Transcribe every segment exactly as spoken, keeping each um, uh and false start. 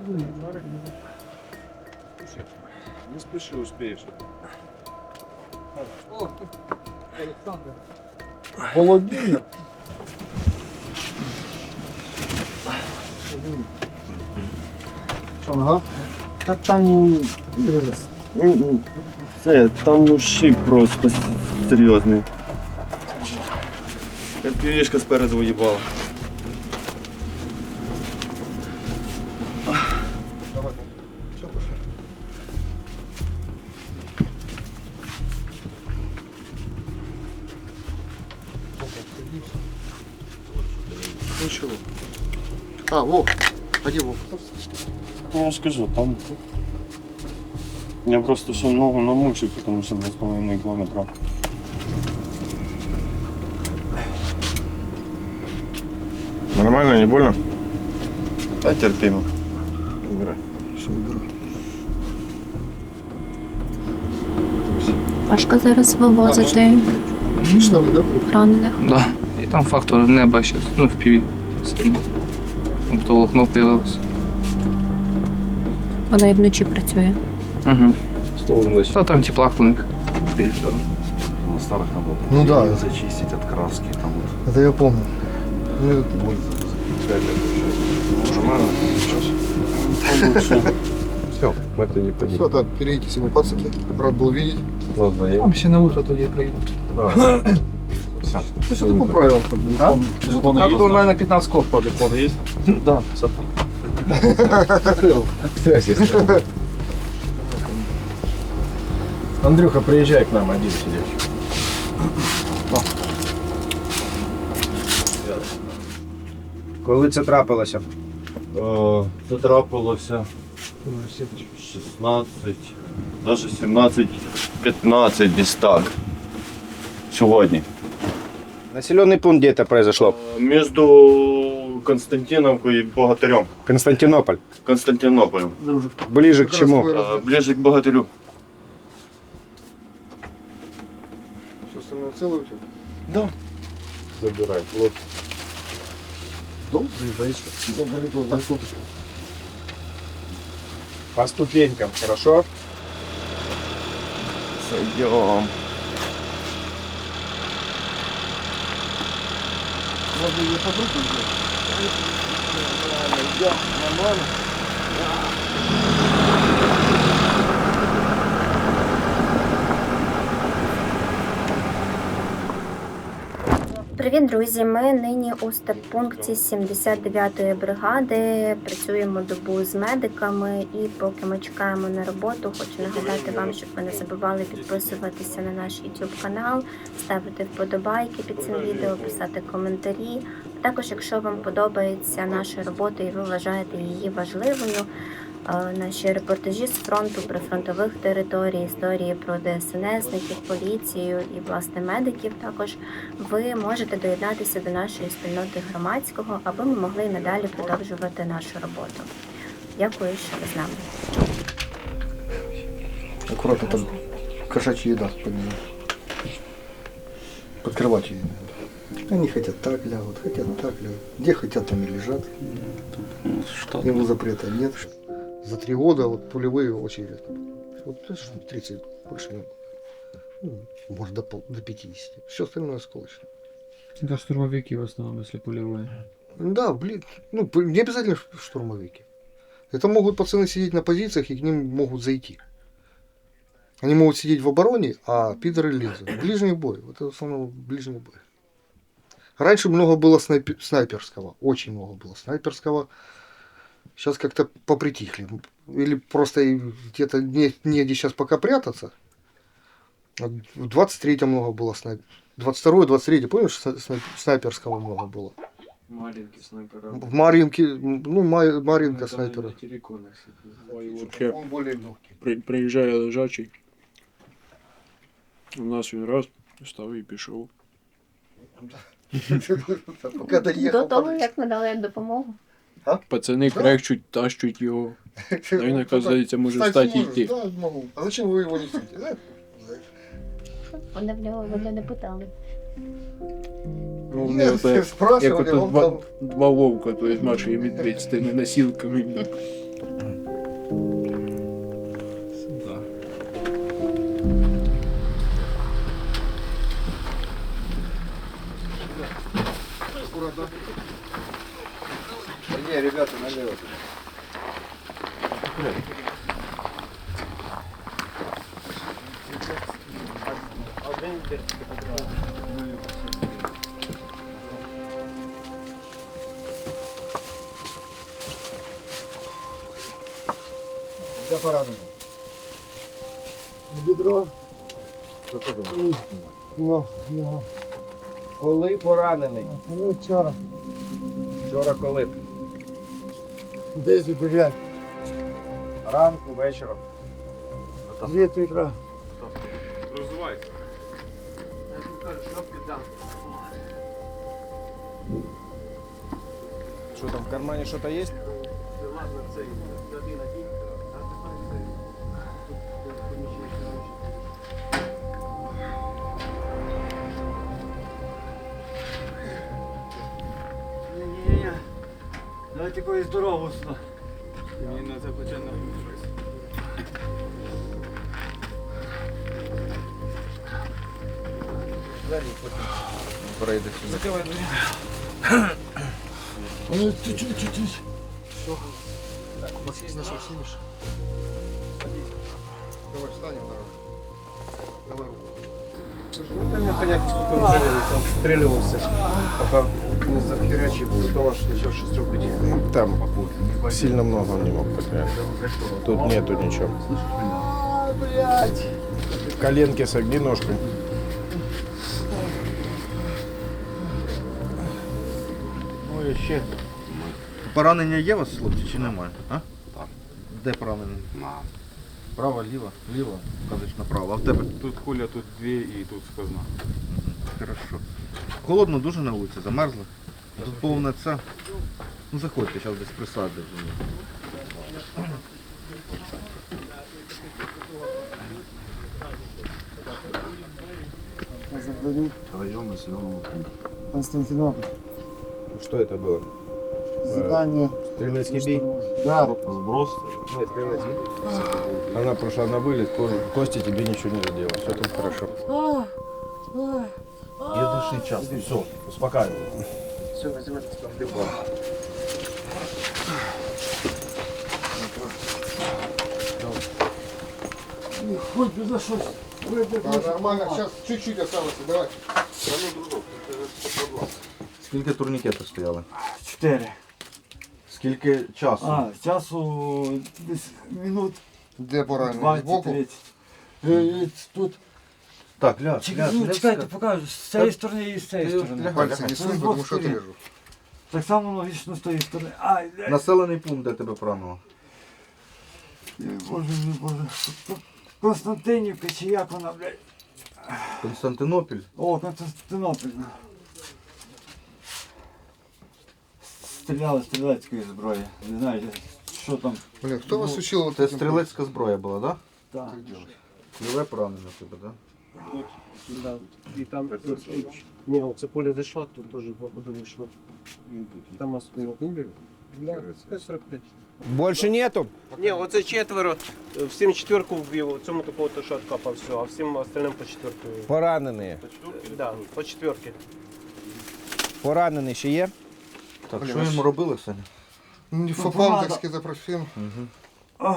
Не спеши, успеешь. О, Александр. Холодильник. Що, ага? Та там... ну, Це, там ушиб просто серйозний. Півішка спереду уїбала. Давай. Все, пошли. Ну чего? А, Вов. А где Вов? Ну, я ж кажу, там... Я просто ще ногу намучив, тому що два з половиною кілометра. Нормально, не больно? Та терпимо. Убирай. Все, уберу. Важко зараз вивозити Что вы, да? ранених. Да. І там фактор неба ще, ну, в піві. Тобто волокно появилось. Вона і вночі працює. Угу. Стол Та там теплак у них. на старых работах. Ну да. Её зачистить от краски, там вот. Это я помню. Ну, Боль пять лет уже. Нормально? Сейчас. Все, мы это не понимаем. все, так, перейдите себе пацаки. Рад был видеть. Ладно, я... Там ще на утро тоді приїдуть. Да. Все. Ну, что ты поправил, как бы. А? Жетоны Так, есть? у мене п'ятнадцять код по диплому є. Да. Закрыл. Андрюха, приезжай к нам, один сидишь. Коли це трапилося? Е, Це трапилося шістнадцять, навіть сімнадцять п'ятнадцять десь так. Сьогодні. Населений пункт де це произошло? Е, Між Константиновкою і Богатирем. Константинополь. Константинополем. Ближе к чему? Е, Ближе к Богатирю. Все остальное целое у тебя? Да. Забирай. Вот. Дом заезжаешь. Дом горит, так вот. По ступенькам, хорошо? Сойдем. Можно ее под руку взять? Да, нормально. Привіт, друзі! Ми нині у стаб-пункті сімдесят дев'ятої бригади. Працюємо добу з медиками і поки ми чекаємо на роботу, хочу нагадати вам, щоб ви не забували підписуватися на наш YouTube канал, ставити вподобайки під цим відео, писати коментарі. Також, якщо вам подобається наша робота і ви вважаєте її важливою, наші репортажі з фронту, прифронтових територій, історії про ДСНСників, поліцію і, власне, медиків, також ви можете доєднатися до нашої спільноти громадського, аби ми могли і надалі продовжувати нашу роботу. Дякую, що ви з нами. Аккуратно там кошачья еда под ним. Под кроватью. Они хотят так лягут, хотят так лягут. Где хотят, там и лежат. Что? Ему запрета нет. За три года вот пулевые очень редко. Вот тридцать, больше не. Ну, может до, пол, до пятидесяти. Все остальное осколочно. Це штурмовики в основному, якщо польові. Да, блин, ну не обязательно штурмовики. Это могут пацаны сидеть на позициях и к ним могут зайти. Они могут сидеть в обороне, а пидоры лезут. Ближний бой. Вот это в основном ближний бой. Раньше много было снайпер, снайперского. Очень много было снайперского. Сейчас как-то попритихли. Или просто где-то не, негде сейчас пока прятаться. В двадцать третьем много было снайпер. двадцать второе, двадцать третье, помнишь, снайперского много было? Маленький снайпер. В Маринке, ну, Ма- Маринка снайпера. Ой, вообще, Он более легкий. при, приїжджає лежачий. У нас він раз став і пішов. Пока доехал. До того, як надали допомогу. Пацани крекчуть, тащуть його. А він, оказується, може встати і йти. Да, могу. А зачем вы его несете? Да? Вони в нього вони не питали. Ну, Нет, вони ото, як спрашивали, ото он два, там... два вовка, то есть Маша і медведь з тими носілками. Сюда. Не, ребята, налево. Де поранено? Бедро. Ну, ну, Коли поранений? ну вчора. Вчора коли? Десь дев'ять. Ранку, вечором. Дев'ять утра. Что там, в кармане что-то есть? Ні-ні-ні. Давайте якоюсь дорогу сюди. Пройди сюда. Ну, чуть-чуть. Давай встанем, давай. Давай руку. Да мне понятно, сколько он жалел, там встреливался, пока не захерячил, что ваш еще шестерку тихо. Там сильно много он не мог потерять. Тут нету ничего. Коленки согни ножкой. Ой, ще. Поранення є у вас, хлопці, чи немає? А? Так. Де поранення? На. Право, ліво? Ліво. Кажеш направо. А в тебе? Тут куля, тут дві і тут сквозна. Хорошо. Холодно дуже на вулиці, замерзли? Тут повна ця. Ну заходьте, зараз десь присадять. Район населенного пункту. Константинополь. Что это было? Задание. Стрелецкий бей? Да. Сброс. Нет, стрелецкий. Она прошла на вылет, Кости тебе ничего не задело. Все там хорошо. Єдиничний час. Все, успокаивай. Все, називайте там. Хоть би за щось. А, нормально, сейчас чуть-чуть осталось, давай. Скільки турнікетів стояли? Чотири. Скільки часу? А, часу десь минут Де поранений? двадцять Збоку? тридцять. Е, Тут. Так, ляж, Чекай, ляж, ну, не чекайте, вска- покажу. З цієї сторони і з цієї Ти сторони. лягай, Пальці лягай. не сунь, тому що отрежу. Так само логічно з тієї сторони. Ай, блядь. Населений пункт, де тебе поранило? Ой, Боже мій, Боже. Константинівка чи як вона, блядь. Константинопіль. О, Константинополь. Стріляли стрілецької зброї. Не знаю, що там. Блин, хто вас учил вот Це этим? стрілецька зброя була, так? Так. Ліве поранення тебе, так? Да. І там ні, оце поле зайшло, тут теж походу вийшло. Там нас не вбили. сорок п'ять. Больше нету? Ні, оце четверо. Всім четверку вбив, цьому такого то що откапав все, а всім остальним по четверку. Поранені. Да, по четверки. Поранені ще є? Так, що йому робили, Саня? Не фопал, так скизопрофен. Угу.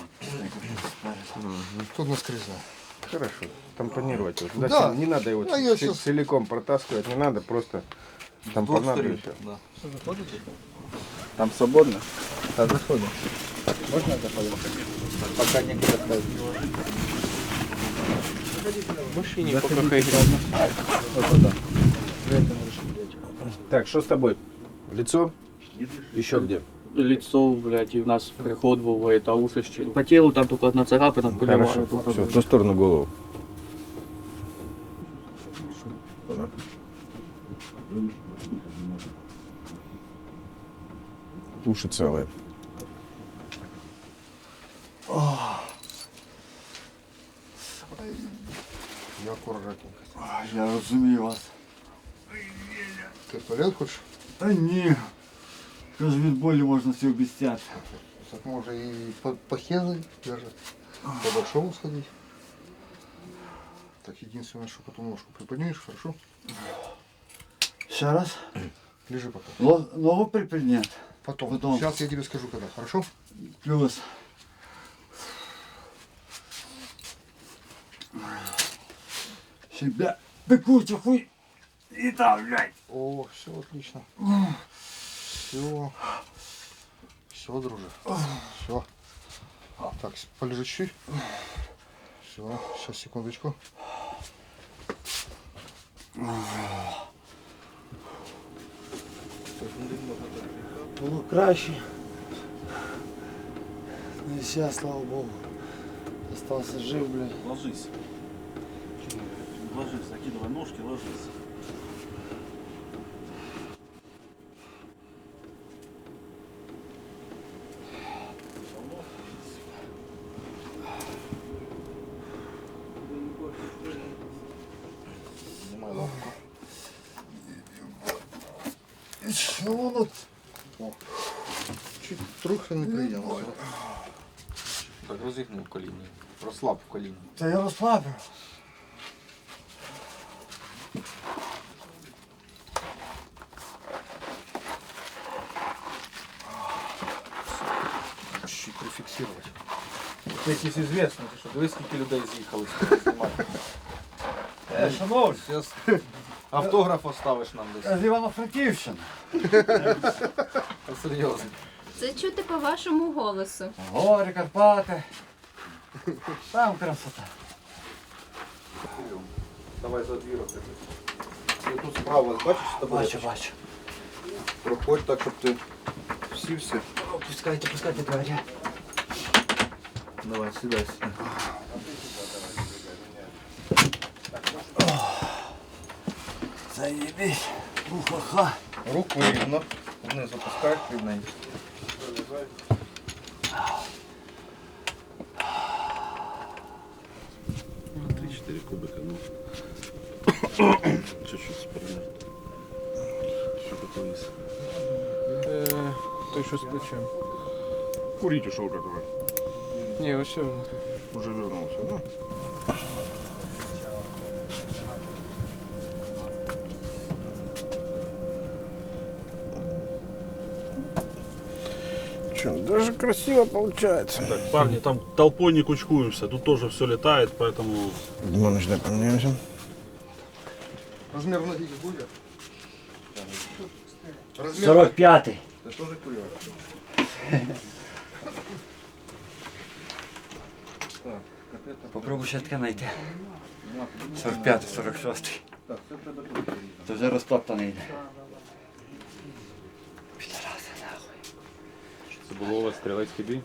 Тут наскрезно. Хорошо. Тампонировать. Вот. Да. Да. Не надо его А я цел- щас- целиком протаскивать, не надо, просто тампонировать. Да. Там свободно? Так, заходимо. Можно заходить? Пока не поставить. В машині поки хай Так, что с тобой? Лицо? Еще где? Лицо, блядь, и у нас приход был, это уши. По телу там только одна царапина, Хорошо. Все, в ту сторону голову. Уши целые. Я аккуратненько. Я розумію вас. Ти в туалет хочеш? Та ні. Каже, від болі можна все обіцяти. Так можно и по, по Хезы даже, по Большому сходить. Так, единственное, что потом ножку приподнимешь, хорошо? Ще раз. Лежи пока. Ло- Ногу припідняти. Потом. Потом. Сейчас я тебе скажу, когда, хорошо? Плюс. Себя пекуча хуй. И там, блядь. О, все отлично. Все. Все, друже. Все. Так, полежи чуть. Все, сейчас, секундочку. Було краще. Ну і сейчас, слава Богу. Остался жив, блядь. Ложись. Ложись, закидывай ножки, ложись. Снимай лапку. Що воно? О, чуть трохи неприємно. Так, розігнув коліно. Розслаб коліно. Та я розслабив. Чуть прификсировать. Це якісь звісно, що дивись, скільки людей з'їхали знімати. Е, шановні, Зараз автограф оставиш нам десь. з Івано-Франківщини. Та серйозно. Це чути по вашому голосу. Гори, Карпати. Там красота. Давай за дві роки. І тут справа, бачиш, з тобою? Бачу, бачу. Проходь так, щоб ти всівся. Пускайте, пускайте двері. Давай, сідай, сідай. Заєбісь. Уха-ха. Руку рівно, вниз опускай рівненько. три-четыре кубика, ну. Чуть-чуть спереди. Что такое есть? Е, той, що з плечем. Курить ушел который. Ні, ось все. Уже вернулся, да? Че, даже красиво получается. Так, парни, там толпой не кучкуемся, тут тоже все летает, поэтому... Димоныч, дай поменяемся. Размер ноги будет? Размер... сорок п'ятий. Ти теж курюєш? Так, капета. Попробуй ще таке знайти. сорок п'ятий, сорок шостий. Так, це треба тут порізати. Це вже розтоптаний йде. Підараси, нахуй. Це було у вас стрілецький бій?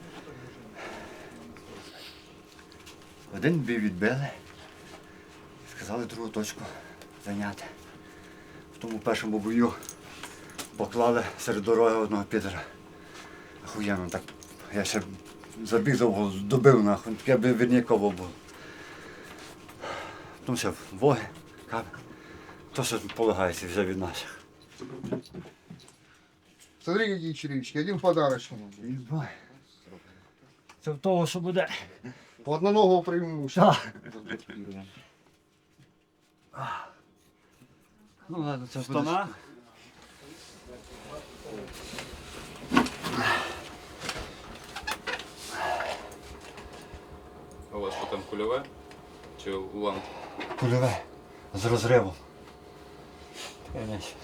Один бій відбили. Сказали другу точку зайняти. В тому першому бою поклали серед дороги одного підера. Охуєнно так. Я ще забіг довго, добив нахуй, таке б вірніково було. Потім ще воги, каби. То, що полагається вже від наших. Смотри, какие черевички. Один подарочный. Єбай. Це в того, що буде. По одноногого преимущества. Ну ладно, це В штанах? А у вас що там кульове? Чи уламки? Кульове. З розривом. Таке м'яч.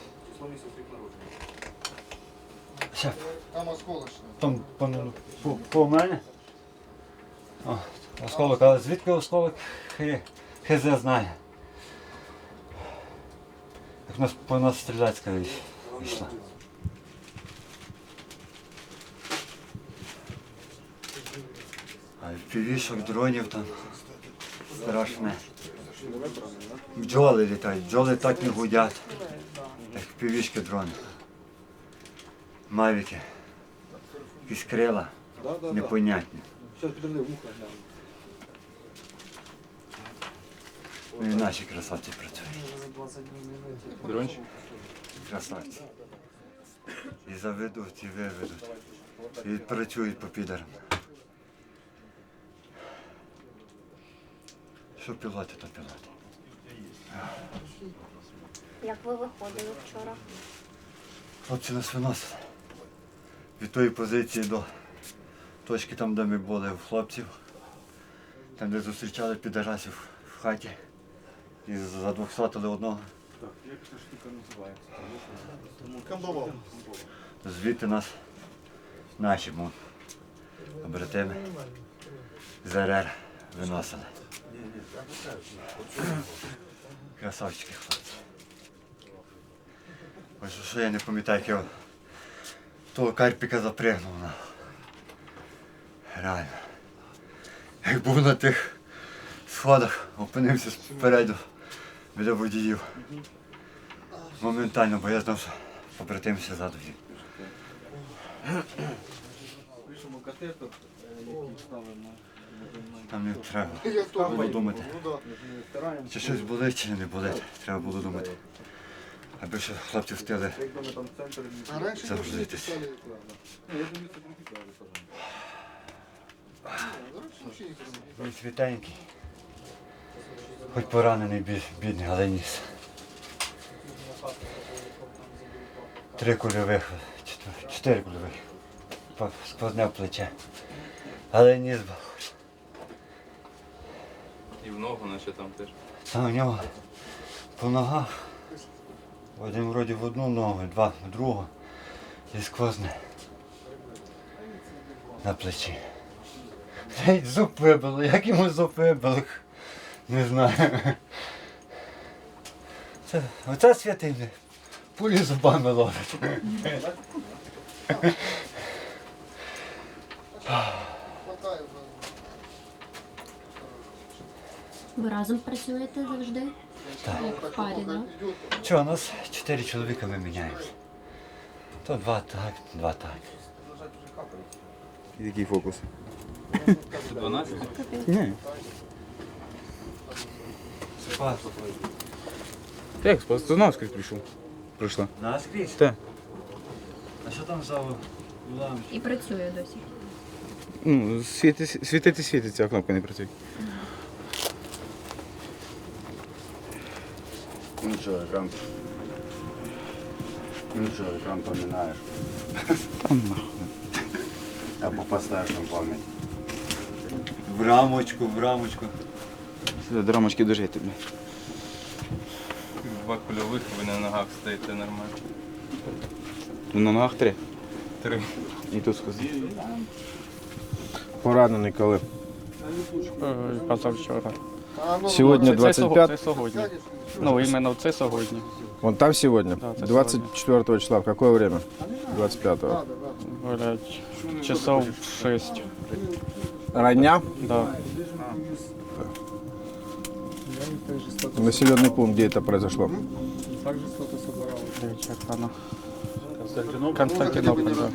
Шеф, Там осколочный. там по, по, по мене. О, осколок, але звідки осколок? Хе, хз знає. Як нас по нас стріляцька йшла. А півішок дронів там страшне. Бджоли літають, бджоли так не гудять, як півішки дрони. Мавіки. Якісь крила. Непонятні. Ну і наші красавці працюють. Дрончик? Красавці. І заведуть, і виведуть. і працюють по підерам. Що пілоти, то пілоти. Як ви виходили вчора? Хлопці нас виносили. Від тої позиції до точки там, де ми були у хлопців. Там, де зустрічали підарасів в хаті. І задвохсотили одного. Звідти нас наші му, побратими з РР виносили. Красавчики хлопці. Ось що я не пам'ятаю, як я того карпіка запригнув на. Реально. Як був на тих сходах, опинився спереду біля водіїв. Моментально, бо я знав, що побратимся ззаду. Там не треба було думати, чи щось болить, чи не болить. Треба було думати. Аби ще хлопці встигли загрузитися. Він світенький. Хоч поранений бідний, але ніс. Три кульових, чотири кульових. Сквозне в плече. Але ніс був. І в ногу наче там теж. Там у нього по ногах. Один вроді в одну ногу, два в другу. І сквозне на плечі. Геть зуб вибило, як йому зуб вибило, не знаю. Це, оце святий, пулі зубами ловить. Ви разом працюєте завжди? Так. Як в парі, так? Чого, у нас чотири чоловіка, ми міняємося. То два так, два так. Який фокус? дванадцять? Ні. Спас. Як спас? Ти наскрізь прийшов? Прийшла. Наскрізь? Так. А що там за уламки? І працює досі. Ну, світи, світити світиться, а кнопка не працює. Ну що, екран. Ну що, екран помінаєш. Там нахуй. Або поставиш на пам'ять. В рамочку, в рамочку. До рамочки дожити, блядь. Два кульових, ви на ногах стоїте нормально. Ну, на ногах три. Три. І тут сказав. Поранений коли? Позавчора. Сьогодні двадцять п'ять. Це сьогодні. Ну, іменно це сьогодні. Вон там сегодня? Да, это двадцать четвёртого числа. В какое время? двадцать пятого. Блять, часов шесть. Родня? Да. Населенный пункт, где это произошло? Черкана. Константинополь, да.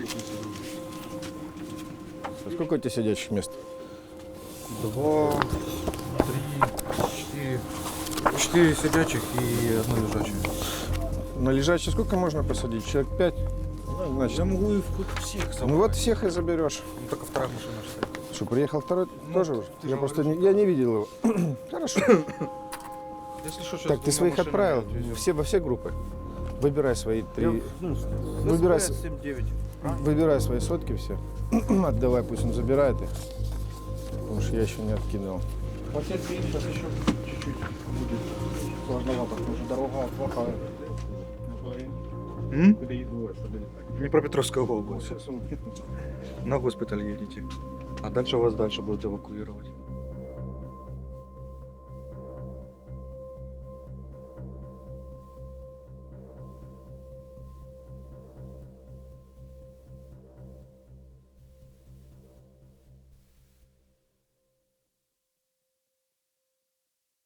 Сколько у тебя сидячих мест? Два, три, четыре. Четыре сидячих и одно лежачее. На лежачий сколько можно посадить? Человек пять? Ну, значит, Я могу и в всех собрать. ну вот всех и заберешь. Ну, только вторая машина стоит. Что, приехал второй Ну, тоже уже? ты Я же просто говорил. не, я не видел его. Хорошо. Если что, сейчас Так, ты своих отправил все, во все группы. Выбирай свои три. Ну, Выбирай, с- семь девять. выбирай свои сотки все. Отдавай, пусть он забирает их. Потому что я еще не откидывал. Отец видит, сейчас еще чуть-чуть будет сложновато, потому что дорога плохая. Днепропетровская область. На госпиталь едете. А дальше вас дальше будут эвакуировать.